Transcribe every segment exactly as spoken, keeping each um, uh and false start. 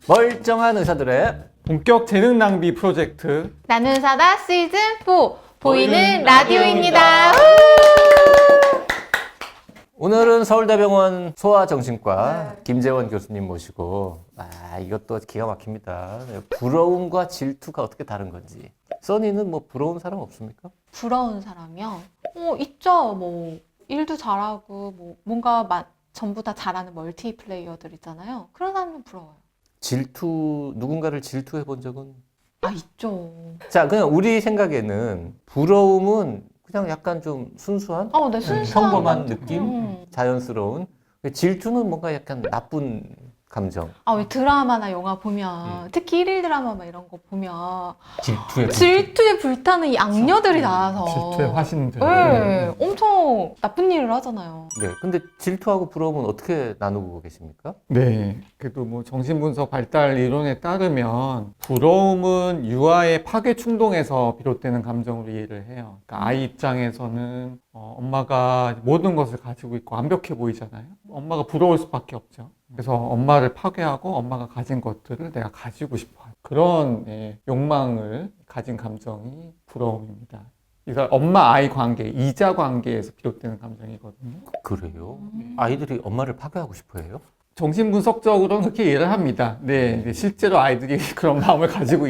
멀쩡한 의사들의 본격 재능 낭비 프로젝트 나는 사다 시즌 사 보이는 보이는 라디오입니다. 오늘은 서울대병원 소아정신과 김재원 교수님 모시고 아 이것도 기가 막힙니다. 부러움과 질투가 어떻게 다른 건지. 써니는 뭐 부러운 사람 없습니까? 부러운 사람이요? 어, 있죠. 뭐 일도 잘하고 뭐 뭔가 마, 전부 다 잘하는 멀티 플레이어들 있잖아요. 그런 사람은 부러워요. 질투 누군가를 질투해 본 적은? 아, 있죠. 자 그냥 우리 생각에는 부러움은 그냥 약간 좀 순수한 어, 네, 순수한 평범한 것 느낌, 음. 자연스러운. 질투는 뭔가 약간 나쁜 감정. 아, 왜 드라마나 영화 보면 특히 일일 드라마 막 이런 거 보면 질투에 질투에 불타는 이 악녀들이 나와서 질투의 화신들. 네, 엄청 나쁜 일을 하잖아요. 네. 근데 질투하고 부러움은 어떻게 나누고 계십니까? 네, 그래도 뭐 정신분석 발달 이론에 따르면 부러움은 유아의 파괴 충동에서 비롯되는 감정으로 이해를 해요. 그러니까 아이 입장에서는 어, 엄마가 모든 것을 가지고 있고 완벽해 보이잖아요. 엄마가 부러울 수밖에 없죠. 그래서 엄마를 파괴하고 엄마가 가진 것들을 내가 가지고 싶어요. 그런 예, 욕망을 가진 감정이 부러움입니다. 그래서 엄마-아이 관계, 이자 관계에서 비롯되는 감정이거든요. 그래요? 아이들이 엄마를 파괴하고 싶어 해요? 정신분석적으로는 그렇게 이해를 합니다. 네, 실제로 아이들이 그런 마음을 가지고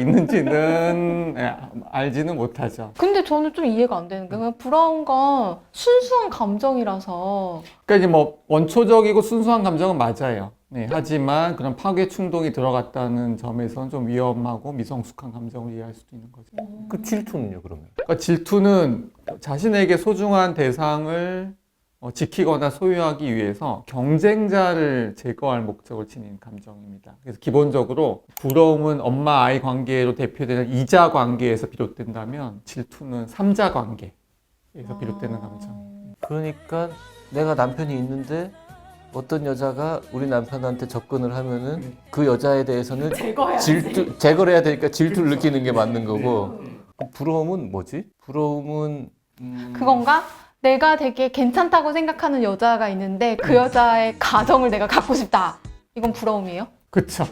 있는지는 예, 알지는 못하죠. 근데 저는 좀 이해가 안 되는 게 그냥 부러운 건 순수한 감정이라서 그러니까 이제 뭐 원초적이고 순수한 감정은 맞아요. 네, 하지만 그런 파괴 충동이 들어갔다는 점에서는 좀 위험하고 미성숙한 감정을 이해할 수도 있는 거죠. 그 질투는요, 그러면? 그러니까 질투는 자신에게 소중한 대상을 어, 지키거나 소유하기 위해서 경쟁자를 제거할 목적을 지닌 감정입니다. 그래서 기본적으로 부러움은 엄마-아이 관계로 대표되는 이자 관계에서 비롯된다면 질투는 삼자 관계에서 비롯되는 감정입니다. 그러니까 내가 남편이 있는데 어떤 여자가 우리 남편한테 접근을 하면은 그 여자에 대해서는 질투, 제거를 해야 되니까 질투를 느끼는 게 맞는 거고 그 부러움은 뭐지? 부러움은 음... 그건가? 내가 되게 괜찮다고 생각하는 여자가 있는데 그 여자의 가정을 내가 갖고 싶다. 이건 부러움이에요? 그쵸.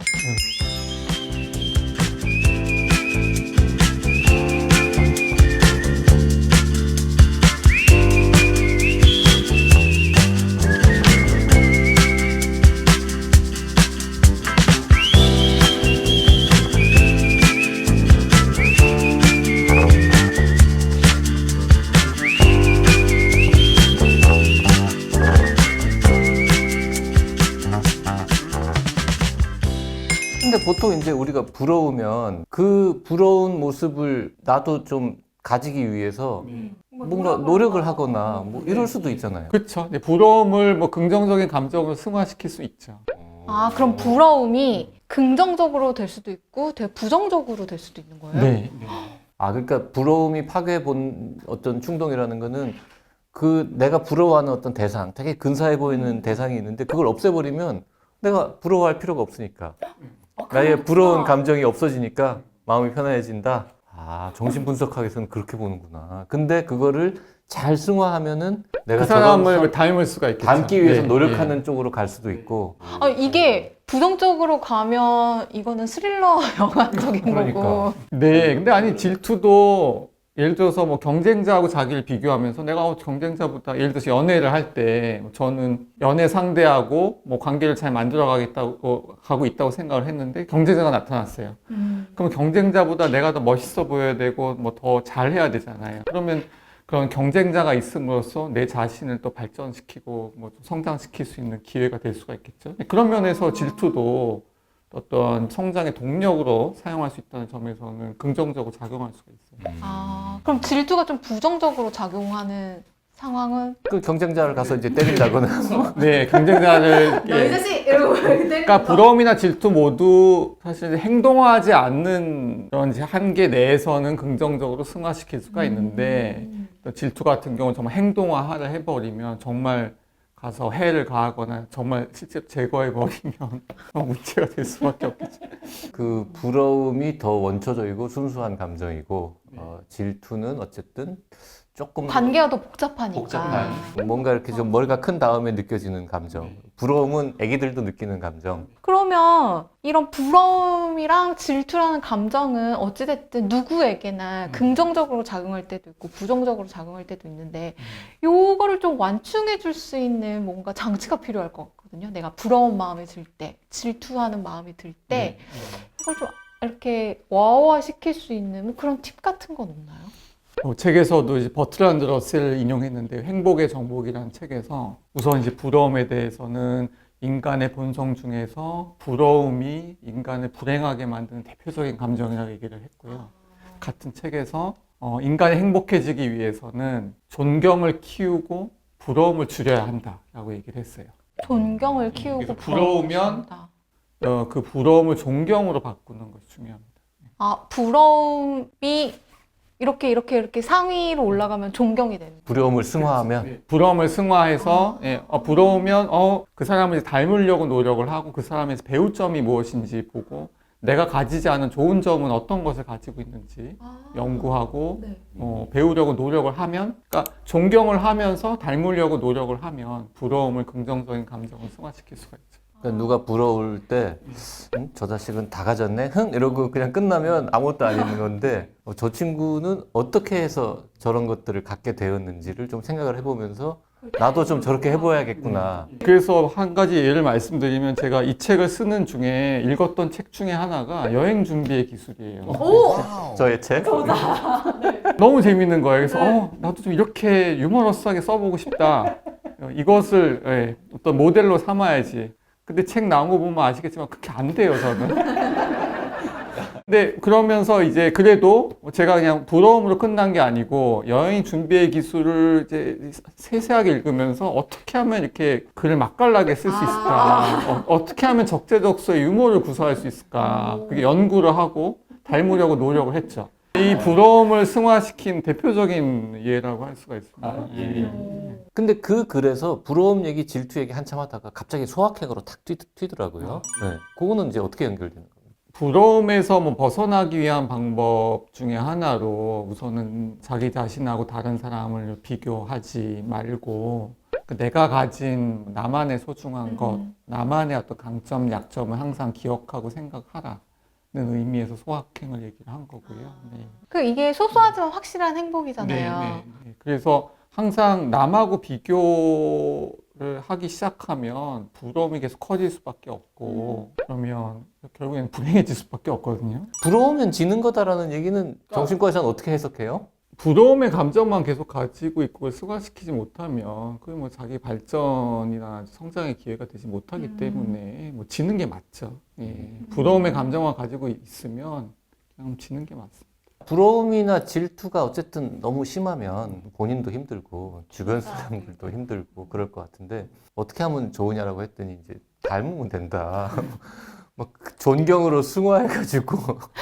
근데 보통 이제 우리가 부러우면 그 부러운 모습을 나도 좀 가지기 위해서 뭔가 노력을 하거나 뭐 이럴 수도 있잖아요. 그쵸. 네, 부러움을 뭐 긍정적인 감정으로 승화시킬 수 있죠. 아, 그럼 부러움이 긍정적으로 될 수도 있고 되게 부정적으로 될 수도 있는 거예요? 네. 아, 그러니까 부러움이 파괴해 본 어떤 충동이라는 거는 그 내가 부러워하는 어떤 대상, 되게 근사해 보이는 대상이 있는데 그걸 없애버리면 내가 부러워할 필요가 없으니까. 나의 부러운 감정이 없어지니까 마음이 편안해진다. 아, 정신분석학에서는 그렇게 보는구나. 근데 그거를 잘 승화하면은 내가 그 사람을 저런 닮을 수가 있겠죠. 닮기 위해서 네, 노력하는 네. 쪽으로 갈 수도 있고. 아, 이게 부정적으로 가면 이거는 스릴러 영화적인 그러니까. 거고. 네, 근데 아니 질투도 예를 들어서 뭐 경쟁자하고 자기를 비교하면서 내가 어, 경쟁자보다 예를 들어서 연애를 할 때 저는 연애 상대하고 뭐 관계를 잘 만들어 가겠다고 가고 있다고 생각을 했는데 경쟁자가 나타났어요. 음. 그럼 경쟁자보다 내가 더 멋있어 보여야 되고 뭐 더 잘해야 되잖아요. 그러면 그런 경쟁자가 있음으로써 내 자신을 또 발전시키고 뭐 성장시킬 수 있는 기회가 될 수가 있겠죠. 그런 면에서 질투도 어떤 성장의 동력으로 사용할 수 있다는 점에서는 긍정적으로 작용할 수가 있어요. 아, 그럼 질투가 좀 부정적으로 작용하는 상황은? 그 경쟁자를 가서 이제 때린다거나. 네, 경쟁자를 너희 예. 자식! 이러고 그러니까 부러움이나 질투 모두 사실 행동하지 않는 그런 한계 내에서는 긍정적으로 승화시킬 수가 있는데 또 질투 같은 경우는 정말 행동화를 해버리면 정말 가서 해를 가하거나 정말 실제로 제거해버리면 문제가 될 수밖에 없겠죠. 그 부러움이 더 원초적이고 순수한 감정이고 어, 질투는 어쨌든 조금 더 관계가 더 복잡하니까. 복잡한. 뭔가 이렇게 좀 머리가 큰 다음에 느껴지는 감정. 부러움은 애기들도 느끼는 감정. 그러면 이런 부러움이랑 질투라는 감정은 어찌됐든 누구에게나 음. 긍정적으로 작용할 때도 있고 부정적으로 작용할 때도 있는데 요거를 좀 완충해 줄 수 있는 뭔가 장치가 필요할 것 같거든요. 내가 부러운 마음이 들 때, 질투하는 마음이 들 때 네. 이걸 좀 이렇게 와와 시킬 수 있는 뭐 그런 팁 같은 건 없나요? 어, 책에서도 이제 버트란드 러셀을 인용했는데 행복의 정복이라는 책에서 우선 이제 부러움에 대해서는 인간의 본성 중에서 부러움이 인간을 불행하게 만드는 대표적인 감정이라고 얘기를 했고요. 같은 책에서 어, 인간이 행복해지기 위해서는 존경을 키우고 부러움을 줄여야 한다라고 얘기를 했어요. 존경을 키우고 그래서 부러움을 부러우면 준다. 어, 그 부러움을 존경으로 바꾸는 것이 중요합니다. 아, 부러움이 이렇게 이렇게 이렇게 상위로 올라가면 존경이 되는 거예요. 부러움을 승화하면 네, 부러움을 승화해서 예, 어, 부러우면 어, 그 사람을 이제 닮으려고 노력을 하고 그 사람에서 배울 점이 무엇인지 보고 내가 가지지 않은 좋은 점은 어떤 것을 가지고 있는지 아, 연구하고 네. 어, 배우려고 노력을 하면 그러니까 존경을 하면서 닮으려고 노력을 하면 부러움을 긍정적인 감정을 승화시킬 수가 있죠. 그러니까 누가 부러울 때, 음, 저 자식은 다 가졌네? 흥! 이러고 그냥 끝나면 아무것도 아닌 건데, 어, 저 친구는 어떻게 해서 저런 것들을 갖게 되었는지를 좀 생각을 해보면서, 나도 좀 저렇게 해봐야겠구나. 그래서 한 가지 예를 말씀드리면 제가 이 책을 쓰는 중에 읽었던 책 중에 하나가 여행 준비의 기술이에요. 저의 책? 너무 재밌는 거예요. 그래서 어, 나도 좀 이렇게 유머러스하게 써보고 싶다. 어, 이것을 예, 어떤 모델로 삼아야지. 근데 책 나온 거 보면 아시겠지만 그렇게 안 돼요, 저는. 근데 그러면서 이제 그래도 제가 그냥 부러움으로 끝난 게 아니고 여행 준비의 기술을 이제 세세하게 읽으면서 어떻게 하면 이렇게 글을 맛깔나게 쓸 수 있을까? 어, 어떻게 하면 적재적소에 유머를 구사할 수 있을까? 그게 연구를 하고 닮으려고 노력을 했죠. 이 부러움을 승화시킨 대표적인 예라고 할 수가 있습니다. 아, 예. 근데 그 글에서 부러움 얘기, 질투 얘기 한참 하다가 갑자기 소확행으로 탁 튀, 튀더라고요. 네. 그거는 이제 어떻게 연결되는 거예요? 부러움에서 뭐 벗어나기 위한 방법 중에 하나로 우선은 자기 자신하고 다른 사람을 비교하지 말고 그 내가 가진 나만의 소중한 것, 나만의 어떤 강점, 약점을 항상 기억하고 생각하라는 의미에서 소확행을 얘기를 한 거고요. 네. 그 이게 소소하지만 확실한 행복이잖아요. 네, 네, 네. 그래서 항상 남하고 비교를 하기 시작하면 부러움이 계속 커질 수밖에 없고 그러면 결국에는 불행해질 수밖에 없거든요. 부러우면 지는 거다라는 얘기는 정신과에서는 어떻게 해석해요? 부러움의 감정만 계속 가지고 있고 그걸 승화시키지 못하면 그게 뭐 자기 발전이나 성장의 기회가 되지 못하기 음. 때문에 뭐 지는 게 맞죠. 예. 부러움의 감정만 가지고 있으면 그냥 지는 게 맞습니다. 부러움이나 질투가 어쨌든 너무 심하면 본인도 힘들고 주변 사람들도 힘들고 그럴 것 같은데 어떻게 하면 좋으냐라고 했더니 이제 닮으면 된다. 막 존경으로 승화해가지고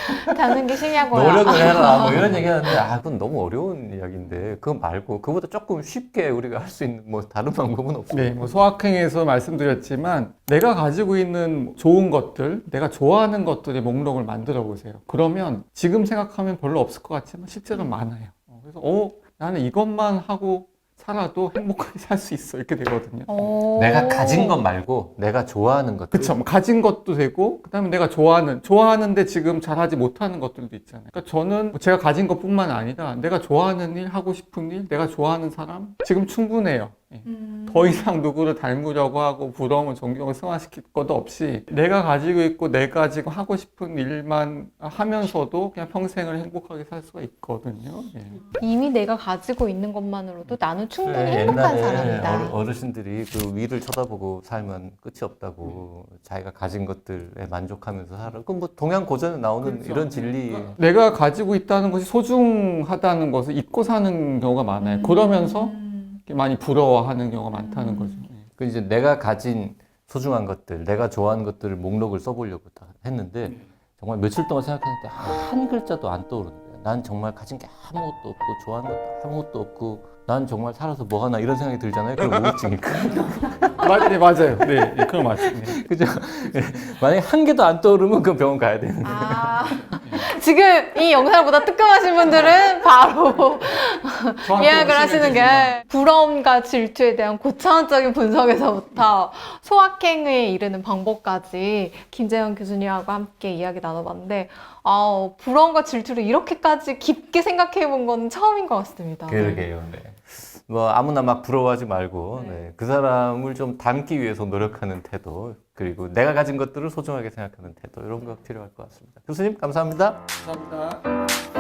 닮는 게 신이야고요. 노력을 해라 뭐 이런 얘기하는데 아 그건 너무 어려운 이야기인데 그거 말고 그거보다 조금 쉽게 우리가 할 수 있는 뭐 다른 방법은 없어요. 네, 뭐 소확행에서 말씀드렸지만 내가 가지고 있는 좋은 것들, 내가 좋아하는 것들의 목록을 만들어 보세요. 그러면 지금 생각하면 별로 없을 것 같지만 실제로 많아요. 어, 그래서 어, 나는 이것만 하고 살아도 행복하게 살 수 있어 이렇게 되거든요. 오. 내가 가진 것 말고 내가 좋아하는 것들. 그쵸. 뭐 가진 것도 되고, 그 다음에 내가 좋아하는, 좋아하는데 지금 잘하지 못하는 것들도 있잖아요. 그러니까 저는 제가 가진 것뿐만 아니라 내가 좋아하는 일, 하고 싶은 일, 내가 좋아하는 사람, 지금 충분해요. 예. 음. 더 이상 누구를 닮으려고 하고 부러움을 존경을 승화시킬 것도 없이 내가 가지고 있고 내가 지금 하고 싶은 일만 하면서도 그냥 평생을 행복하게 살 수가 있거든요. 예. 이미 내가 가지고 있는 것만으로도 나는 충분히 그래, 행복한 옛날에 사람이다. 어르- 어르신들이 그 위를 쳐다보고 살면 끝이 없다고 자기가 가진 것들에 만족하면서 살아. 그럼 뭐 동양 고전에 나오는 그렇죠. 이런 진리. 내가 가지고 있다는 것이 소중하다는 것을 잊고 사는 경우가 많아요. 그러면서 음. 많이 부러워하는 경우가 많다는 거죠. 예. 그 이제 내가 가진 소중한 것들, 내가 좋아하는 것들을 목록을 써보려고 다 했는데 정말 며칠 동안 생각했는데 한 글자도 안 떠오르는 거야. 난 정말 가진 게 아무것도 없고 좋아하는 것도 아무것도 없고 난 정말 살아서 뭐 하나 이런 생각이 들잖아요. 그럼 우울증일까? 맞, 네, 맞아요. 네, 네, 그건 맞습니다. 그죠? 만약에 한 개도 안 떠오르면 그 병원 가야 되는 거예요. 아, 지금 이 영상을 보다 뜨끔하신 분들은 바로 예약을 하시는 게 부러움과 질투에 대한 고차원적인 분석에서부터 소확행에 이르는 방법까지 김재현 교수님하고 함께 이야기 나눠봤는데 아, 부러움과 질투를 이렇게까지 깊게 생각해 본 건 처음인 것 같습니다. 그러게요. 네. 뭐 아무나 막 부러워하지 말고 네. 네. 그 사람을 좀 닮기 위해서 노력하는 태도 그리고 내가 가진 것들을 소중하게 생각하는 태도 이런 거 필요할 것 같습니다. 교수님 감사합니다. 감사합니다.